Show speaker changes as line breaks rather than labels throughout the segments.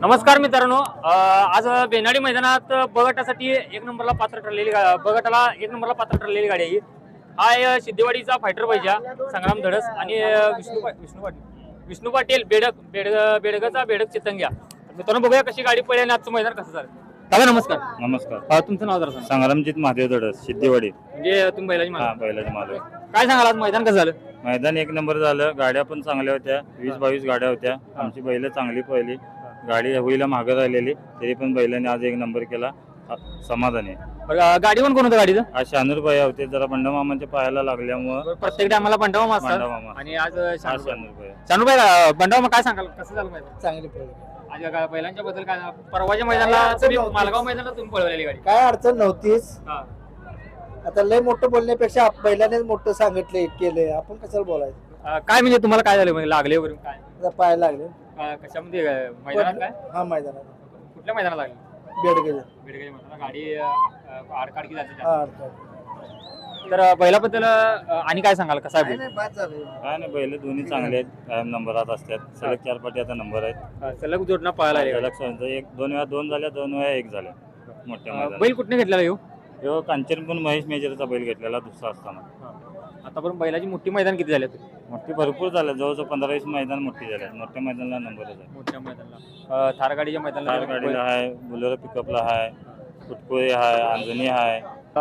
नमस्कार मित्रांनो, आज बेनाडी मैदानात बगटासाठी एक नंबरला पात्र ठरलेली बगटाला एक नंबरला पात्र ठरलेली गाडी आहे. हा आहे सिद्धेवाडीचा फायटर पाहिजे संग्राम धडस आणि विष्णू पाटील बेडगचा बेडक चितंग्या. मित्रांनो बघूया कशी गाडी पळली आणि आजचं मैदान कसं झालं. दादा नमस्कार.
नमस्कार.
तुमचं नाव जरा सांगा.
संग्रामजीत महादेव धडस सिद्धेवाडी.
म्हणजे तुम्ही बैलाची मालक.
बैलाचे मालक.
काय सांगाल आज मैदान कसं झालं.
मैदान एक नंबर झालं. गाड्या पण चांगल्या होत्या. 20-22 गाड्या होत्या. आमची बैल चांगली पळली. गाडी होईला मागं राहिलेली तरी पण बैलाने आज एक नंबर केला. समाधान आहे.
गाडी पण कोण होतं गाडीचं.
आज शानूर भाई होते. जरा बंडमामांच्या पायाला लागल्यामुळे
प्रत्येक टायमाला बंडावा
मामा
आणि आज
शानूर
भाई बंडावा. काय सांगाल कसं झालं मैदान.
चांगली पळली.
आज बैलांच्या बद्दल काय परवाच्या मैदानाला मालगाव मैदानाला तुम्ही पळवलेली गाडी.
काय अडचण नव्हतीच. आता लय मोठं बोलण्यापेक्षा बैलानेच मोठं सांगितले केले, आपण कशाला बोलायचं.
काय म्हणजे तुम्हाला काय झालं म्हणजे लागले वगैरे काय
आता पाय लागले.
कशामध्ये मैदानात काय.
हा मैदानात
कुठल्या मैदानात लागले.
बेडगे
बेडगे मैदानात गाडी आडकाडकी जाते.
हा
तर बैलाबद्दल आणि काय सांगाल कसा आहे.
काय नाही बैल दोन्ही चांगले आहेत. कायम नंबरात असतात. सलग 4 पाटी आता नंबर आहेत.
सलग जोडणं पळायला
एक 2 वेळा 2 झाल्या 2 वेळा 1 झाल्या. मोठ्या
बैल कुठने घेतलेला येऊ.
ह्यो कांचनपूर महेश मेजरचा बैल घेतलेला दुसरा असताना.
आतापर्यंत बैलाची मोठी मैदान किती झाले.
मोठी भरपूर झालं. जवळजवळ 15-20 मैदान मोठी झाल्या. मोठ्या मैदानाला नंबरच आहे.
मोठ्या मैदानाला थार गाडीच्या मैदानाला
थार गाडीला आहे. बुलेरो पिकअपला आहे. फुटकोळी आहे. अंजनी आहे.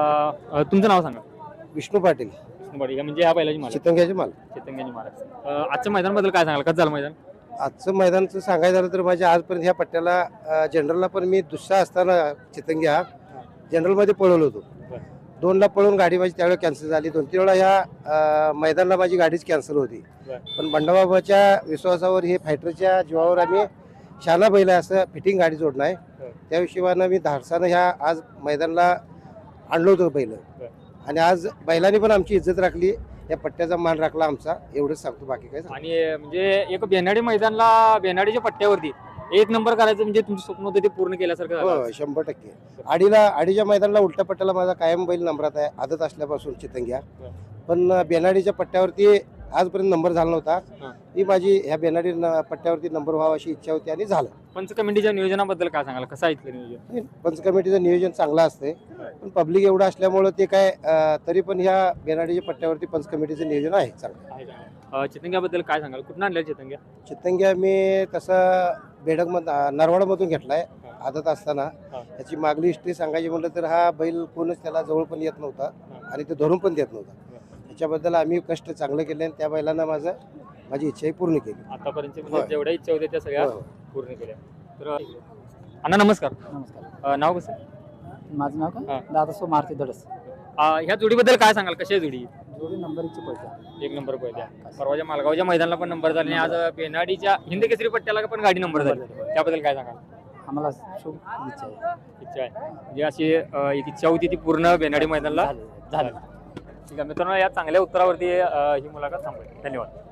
तुमचं नाव सांगा.
विष्णू पाटील
म्हणजे ह्या बैलाची मालक
चितंग्याचे माल.
चितंग्याची मालक. आजच्या मैदान बद्दल काय सांगाल कसं झालं मैदान.
आजचं मैदानचं सांगायचं झालं तर माझ्या आजपर्यंत ह्या पट्ट्याला जनरलला पण मी दुसरा असताना चितंग्या जनरलमध्ये पळवलो होतो. 2ला पळून गाडी माझी त्यावेळेला कॅन्सल झाली. 2-3 वेळा ह्या मैदानाला माझी गाडीच कॅन्सल होती. पण बंडाबाबाच्या विश्वासावर हे फायटरच्या जीवावर आम्ही शाना बैल असं फिटिंग गाडी जोडणं आहे. त्या हिशोबानं मी धाडसानं ह्या आज मैदानाला आणलो होतो बैल. आणि आज बैलांनी पण आमची इज्जत राखली. या पट्ट्याचा मान राखला आमचा. एवढंच सांगतो, बाकी काय.
आणि म्हणजे एक बेनाडी मैदानला बेनाडीच्या पट्ट्यावरती एक नंबर करायचं म्हणजे तुमचं स्वप्न होतं ते पूर्ण केल्यासारखं झालं.
हो 100%. आडीच्या मैदानाला उलट्या पट्ट्याला माझा कायम बैल नंबरात आहे. आदत असल्यापासून चितंग्या. पण बेनाडीच्या पट्ट्यावरती आजपर्यंत नंबर झाला नव्हता. ही माझी ह्या बेनाडी पट्ट्यावरती नंबर व्हावा अशी इच्छा होती आणि झालं.
पंच कमिटीच्या नियोजनाबद्दल काय सांगाल कसं आहे इथलं नियोजन.
पंच कमिटीचं नियोजन चांगलं असते. पण पब्लिक एवढं असल्यामुळं ते काय तरी पण ह्या बेनाडीच्या पट्ट्यावरती पंच कमिटीचं नियोजन आहे चांगलं.
चितंग्याबद्दल काय सांगाल. कुठून आणल्या चितंग्या.
चितंग्या मी तसं नरवाडमधून घेतलाय आदत असताना. याची मागली हिस्ट्री सांगायची म्हटलं तर हा बैल कोणच त्याला जवळ पण येत नव्हता आणि ते धरून पण देत नव्हता. त्याच्याबद्दल आम्ही कष्ट चांगलं केले आणि त्या बैलांना माझी इच्छाही पूर्ण केली.
आतापर्यंत जेवढ्या इच्छा होत्या त्या सगळ्या पूर्ण केल्या. तर अण्णा नमस्कार.
नमस्कार.
नाव कसं.
माझं नाव का दादा मारुती धडस.
ह्या जोडीबद्दल काय सांगाल कशी आहे जोडी.
जोडी नंबर 1ची पळते.
एक नंबर पळत्या. परवाच्या मालगावच्या मैदानाला पण नंबर झाले आणि आज बेनाडीच्या हिंद केसरी पट्ट्याला पण गाडी नंबर झाली. त्याबद्दल काय सांगाल.
आम्हाला शुभ इच्छा आहे.
इच्छा आहे म्हणजे अशी एक इच्छा होती ती पूर्ण बेनाडी मैदानाला झाली. ठीक आहे मित्रांनो, या चांगल्या उत्तरावरती ही मुलाखत थांबवेल. धन्यवाद.